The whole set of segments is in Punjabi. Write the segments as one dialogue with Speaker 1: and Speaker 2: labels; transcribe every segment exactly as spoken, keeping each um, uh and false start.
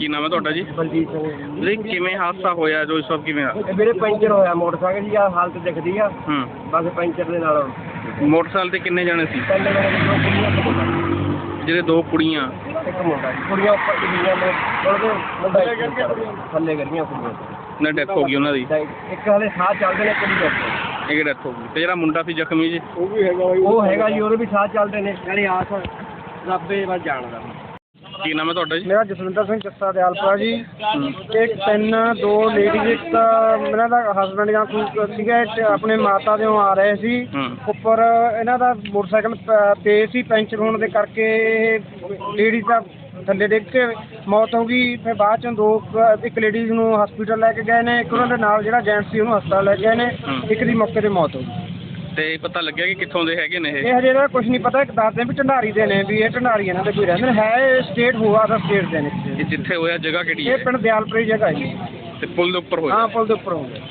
Speaker 1: ਕੀ ਨਾਮ ਹੈ ਤੁਹਾਡਾ ਜੀ?
Speaker 2: ਬਲਜੀਤ ਸਿੰਘ
Speaker 1: ਵੀਰੇ ਕਿਵੇਂ ਹਾਦਸਾ ਹੋਇਆ ਜੋ ਇਸ ਵਕਤ ਕਿਵੇਂ ਹੋਇਆ?
Speaker 2: ਇਹ ਵੀਰੇ ਪੈਂਚਰ ਹੋਇਆ ਮੋਟਰਸਾਈਕਲ ਜੀ, ਆ ਹਾਲਤ ਦਿਖਦੀ ਆ
Speaker 1: ਹੂੰ
Speaker 2: ਬਸ ਪੈਂਚਰ ਦੇ ਨਾਲ।
Speaker 1: ਮੋਟਰਸਾਈਕਲ ਤੇ ਕਿੰਨੇ ਜਾਣੇ ਸੀ?
Speaker 2: ਪਹਿਲੇ ਮੇਰੇ ਦੋ ਕੁੜੀਆਂ ਇੱਕ ਮੁੰਡਾ।
Speaker 1: ਜਿਹੜੇ ਦੋ ਕੁੜੀਆਂ
Speaker 2: ਇੱਕ ਮੁੰਡਾ ਜੀ। ਕੁੜੀਆਂ ਉੱਪਰ ਡਿੱਗੀਆਂ ਨੇ, ਉਹਦੇ ਮੁੰਡਾ ਥੱਲੇ ਗਿਰੀਆਂ ਕੁੜੀਆਂ।
Speaker 1: ਨਾ ਡੈਥ ਹੋ ਗਈ ਉਹਨਾਂ ਦੀ?
Speaker 2: ਇੱਕ ਹਾਲੇ ਸਾਹ ਚੱਲਦੇ ਨੇ, ਕੁੜੀ ਡੈਥ।
Speaker 1: ਇੱਕ ਡੈਥ ਹੋ ਗਈ ਤੇ ਜਿਹੜਾ ਮੁੰਡਾ ਸੀ ਜ਼ਖਮੀ ਜੀ?
Speaker 2: ਉਹ ਵੀ ਹੈਗਾ ਉਹ ਹੈਗਾ ਜੀ, ਉਹਦੇ ਵੀ ਸਾਹ ਚੱਲਦੇ ਨੇ। ਯਾਨੀ ਆਸ ਰੱਬੇ ਵੱਲ ਜਾਣਦਾ।
Speaker 1: ਕੀ ਨਾਮ ਹੈ ਤੁਹਾਡਾ ਜੀ?
Speaker 2: ਮੇਰਾ ਜਸਵਿੰਦਰ ਸਿੰਘ ਚੱਸਾ ਦਿਆਲਪੁਰਾ ਜੀ। ਇੱਕ ਤਿੰਨ ਦੋ ਲੇਡੀਜ਼, ਇੱਕ ਤਾਂ ਇਹਨਾਂ ਦਾ ਹਸਬੈਂਡ ਜਾਂ ਕੋਈ ਸੀਗਾ, ਇੱਕ ਆਪਣੇ ਮਾਤਾ ਦੇ ਆ ਰਹੇ ਸੀ। ਉੱਪਰ ਇਹਨਾਂ ਦਾ ਮੋਟਰਸਾਈਕਲ ਪੇ ਸੀ, ਪੈਂਚਰ ਹੋਣ ਦੇ ਕਰਕੇ ਲੇਡੀਜ਼ ਦਾ ਥੱਲੇ ਡਿੱਗ ਕੇ ਮੌਤ ਹੋ ਗਈ। ਫਿਰ ਬਾਅਦ ਚੋਂ ਦੋ ਇੱਕ ਲੇਡੀਜ਼ ਨੂੰ ਹਸਪੀਟਲ ਲੈ ਕੇ ਗਏ ਨੇ, ਇੱਕ ਉਹਨਾਂ ਦੇ ਨਾਲ ਜਿਹੜਾ ਜੈਂਟਸ ਸੀ ਉਹਨੂੰ ਹਸਪਤਾਲ ਲੈ ਕੇ ਗਏ ਨੇ। ਇੱਕ ਦੀ ਮੌਕੇ 'ਤੇ ਮੌਤ ਹੋ ਗਈ।
Speaker 1: ਤੇ ਪਤਾ ਲੱਗਿਆ ਕਿ ਕਿੱਥੋਂ ਦੇ ਹੈਗੇ ਨੇ ਇਹ?
Speaker 2: ਇਹ ਹਜੇ ਇਹਦਾ ਕੁਝ ਨਹੀਂ ਪਤਾ। ਇੱਕ ਦੱਸਦੇ ਵੀ ਢੰਡਾਰੀ ਦੇ ਨੇ, ਵੀ ਇਹ ਢੰਡਾਰੀ ਇਹਨਾਂ ਦੇ ਕੋਈ ਰਹਿੰਦੇ ਨੇ। ਹੈ ਸਟੇਟ ਹੋਆ ਦਾ ਸਟੇਟ ਦੇ ਨੇ।
Speaker 1: ਇਹ ਜਿੱਥੇ ਹੋਇਆ ਜਗ੍ਹਾ ਕਿਹੜੀ ਹੈ?
Speaker 2: ਇਹ ਪਿੰਡ ਦਿਆਲਪੁਰੀ ਜਗ੍ਹਾ ਜੀ।
Speaker 1: ਤੇ ਪੁਲ ਦੇ ਉੱਪਰ ਹੋਇਆ?
Speaker 2: ਹਾਂ, ਪੁਲ ਦੇ ਉੱਪਰ ਹੋ ਗਿਆ।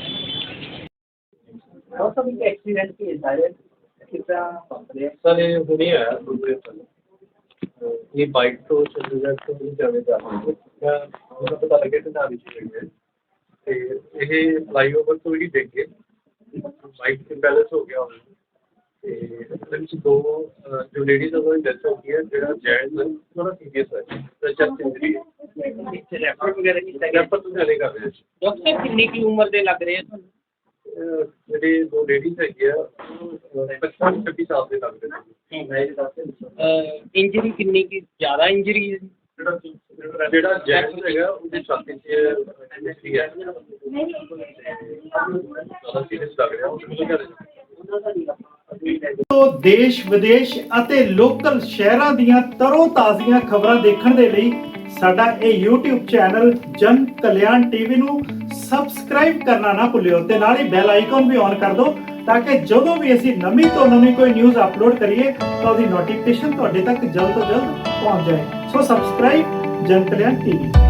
Speaker 2: ਬਹੁਤ ਸਭ ਇੱਕ ਐਕਸੀਡੈਂਟ ਕੇਸ ਆਇਆ ਕਿੱਦਾਂ ਪਹੁੰਚਦੇ
Speaker 3: ਸਰ ਇਹ ਹੁਣੇ ਆਇਆ ਦੂਸਰੇ ਸਾਲ। ਇਹ ਬਾਈਕ ਤੋਂ ਚੰਡੀਗੜ੍ਹ ਤੋਂ ਜਾਵੇ ਜਾ ਰਹੇ ਹੈ। ਮੈਨੂੰ ਪਤਾ ਲੱਗਿਆ ਕਿ ਨਾਲ ਵਿੱਚ ਹੋਈ ਹੈ ਤੇ ਇਹ ਫਲਾਈਓਵਰ ਤੋਂ ਹੀ ਡਿੱਗ ਗਏ। ਬਾਈਕ ਤੇ ਬੈਲੈਂਸ ਹੋ ਗਿਆ ਉਹਨੂੰ ਤੇ ਉਹਦੇ ਵਿੱਚ ਦੋ ਜੋ ਲੇਡੀਜ਼ ਉਹਨਾਂ ਦੀ ਡੈਥ ਹੋ ਗਈ ਹੈ। ਜਿਹੜਾ ਜੈਂਟਸ ਥੋੜਾ ਸੀਰੀਅਸ ਹੈ, ਚੈਸਟ ਇੰਜਰੀ ਹੈ।
Speaker 2: ਰੈਫਰ ਵਗੈਰਾ ਕੀਤਾ
Speaker 3: ਰੈਫਰ ਤੋਂ ਜਾਣੇ ਕਰ ਰਹੇ ਸੀ।
Speaker 2: ਡਾਕਟਰ ਕਿੰਨੀ ਕੀ ਉਮਰ ਦੇ ਲੱਗ ਰਹੇ ਆ ਤੁਹਾਨੂੰ?
Speaker 3: ਜਿਹੜੇ ਦੋ ਲੇਡੀਜ਼ ਹੈਗੇ ਆ ਪਚਪਨ ਛੱਬੀ ਸਾਲ ਦੇ ਲੱਗਦੇ ਨੇ।
Speaker 2: ਇੰਜਰੀ ਕਿੰਨੀ ਕੀ ਜ਼ਿਆਦਾ ਇੰਜਰੀ ਹੈ?
Speaker 3: ਜਿਹੜਾ ਜਿਹੜਾ ਜੈਂਟਸ ਹੈਗਾ ਉਹਦੀ ਛਾਤੀ 'ਚ ਇੰਜਰੀ ਹੈ, ਜ਼ਿਆਦਾ ਸੀਰੀਅਸ ਲੱਗ ਰਿਹਾ ਉਹ।
Speaker 4: ਤੋਂ ਦੇਸ਼ ਵਿਦੇਸ਼ ਅਤੇ ਲੋਕਲ ਸ਼ਹਿਰਾਂ ਦੀਆਂ ਤਰੋ ਤਾਜ਼ੀਆਂ ਖਬਰਾਂ ਦੇਖਣ ਦੇ ਲਈ ਸਾਡਾ ਇਹ YouTube ਚੈਨਲ ਜਨ ਕਲਿਆਣ ਟੀਵੀ ਨੂੰ ਸਬਸਕ੍ਰਾਈਬ ਕਰਨਾ ਨਾ ਭੁੱਲਿਓ ਤੇ ਨਾਲ ਹੀ ਬੈਲ ਆਈਕਨ ਵੀ ਔਨ ਕਰ ਦਿਓ ਤਾਂ ਕਿ ਜਦੋਂ ਵੀ ਅਸੀਂ ਨਵੀਂ ਤੋਂ ਨਵੀਂ ਕੋਈ ਨਿਊਜ਼ ਅਪਲੋਡ ਕਰੀਏ ਤਾਂ ਉਹਦੀ ਨੋਟੀਫਿਕੇਸ਼ਨ ਤੁਹਾਡੇ ਤੱਕ ਜਲਦ ਤੋਂ ਜਲਦ ਪਹੁੰਚ ਜਾਏ। ਸੋ ਸਬਸਕ੍ਰਾਈਬ ਜਨ ਕਲਿਆਣ ਟੀਵੀ।